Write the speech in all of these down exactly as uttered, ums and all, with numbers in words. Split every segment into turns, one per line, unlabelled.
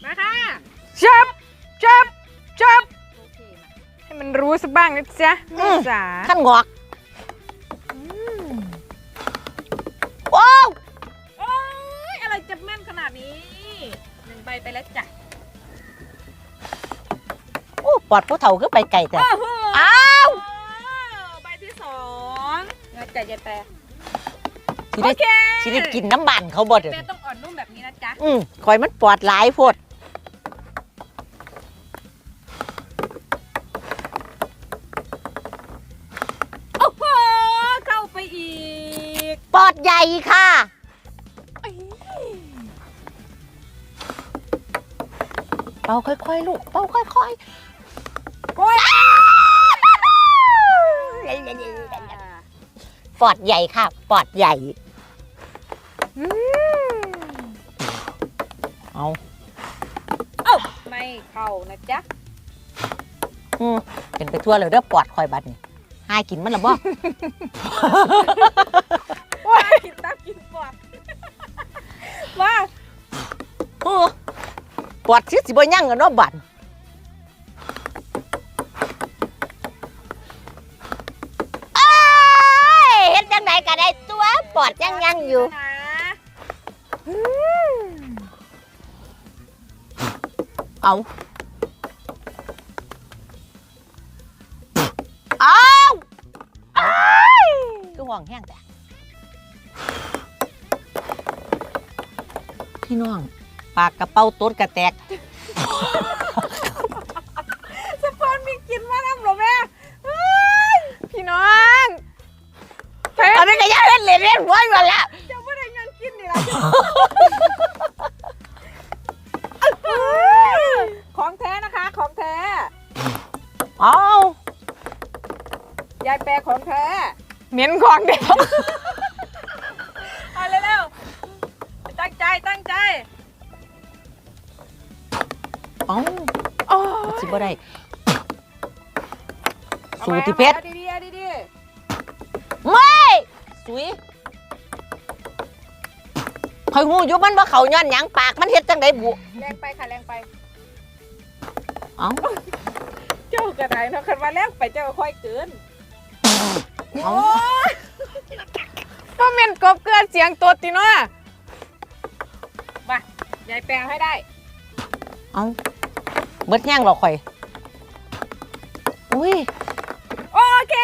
มาค่ะ
จับจับจับให้มันรู้สักบ้างนะจ๊ะแม่จ๋า
ขั้นงอกว้าว
โอ้ยอะไรจะแม่นขนาดนี้หนึ่งใบไปแล้วจ้ะ
โอ้ปอดผู้เฒ่าคือไปไก่แต่
อ้าวใบที่สองเงาใจเย็นแต่
ชีวิตชีวิตกินน้ำบันเขาบ่เด้อ
แต่ต้องอ่อนนุ่มแบบนี้นะจ๊ะ
อืมคอยมันปอดหลายโพด
โอ้โหเข้าไปอีก
ปอดใหญ่ค่ะเป่าค่อยๆลูกเป่าค่อยๆโอ้ยปอดใหญ่ค่ะปอดใหญ่เอา
เอ้าไม่เข้านะจ๊ะ
อืมเป็นไปทั่วเลยเด้อปอดคอยบัดนี่หายกินมันหรอบ่
ว้ากินตับกินปอดว่า
โอ้ปอดชิสิบ่ยั่งกันเนาะบัดเอ้ยเฮ็ดจังไดก็ได้ตัวปอดยังยังอยู่เอาเอาคือห่วงแห้งแต่พี่น้องปากกระเป๋าต้นกระแตก
สปอนมีกินมาแล้วหรอแม่
พี่น้อง
ตอนนี้ก็ยังเล่นเล่นเล่นหัวอยู่แล้ว
จะไม่ได้เงินกินนี่ละของแท้นะคะของแท้
เอา
ยายแปรของแท้
เหม็นของเด็ก
เอาเร็วๆตั้งใจตั้งใจ
เอาอ๋อสิบ่ได้สูติเพชร
ดีดีดีดี
ไม่สุยคอยงูอยู่มันว่าเขาย้อนหยังปากมันเฮ็ดจังไดบุ
แรงไปค่ะแรงไป
เอ้า
เจ้ากระไดเนาะคันว่าแรงไปเจ้าค่อยเกิน
เอ้า
ก็เหม็นกบเกลือเสียงตดติเนาะ
มายายแปลให้ได้
เอ้าเบิดย่างหรอข่อยอุ้ย
โอเค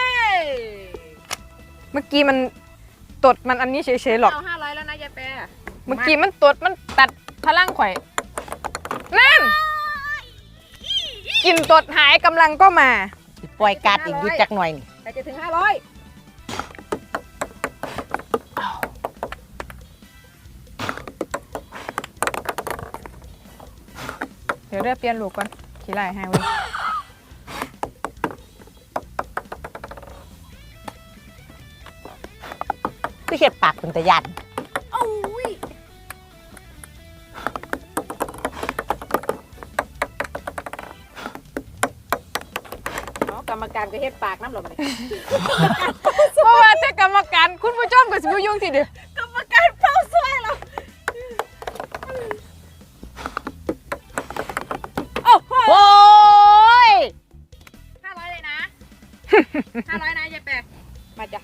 เมื่อกี้มันตดมันอันนี้เฉยๆหรอก
เอาห้าร้อยแล้วนะยายแปร
เมื่อกี้มันตดมันตัดพลังข่อยนั่นกินตดหายกำลังก็มา
ปล่อยการอีกอยู่จักหน่อยนี่
ใครจะถึงห้าร้อย
เดี๋ยวเรียกเปลี่ยนลูกก่อนขี้ไล่ให้เว้ย
คือเห็ดปากเป็นตะยัน
โอ้ยกรรมการก็เฮ็ดปากน้ำหลบเลย
เพราะว่าถ้ากรรมการคุณผู้ชมก็สิบยุ่งทีเดียว
กรรมการเฝ้าซวยเราโอ้โห
โอ้ย
ห้าร้อยเลยนะห้าร้อยนะยายแปรมาจ้ะ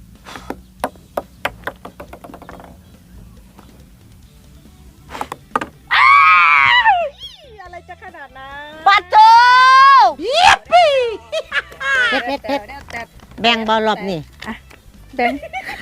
อะไรจะขนาดนั้น
ปัดโตยิปปี้เพชรเพชรเพชรแบ่งบอลรอบนี่
แบ่ง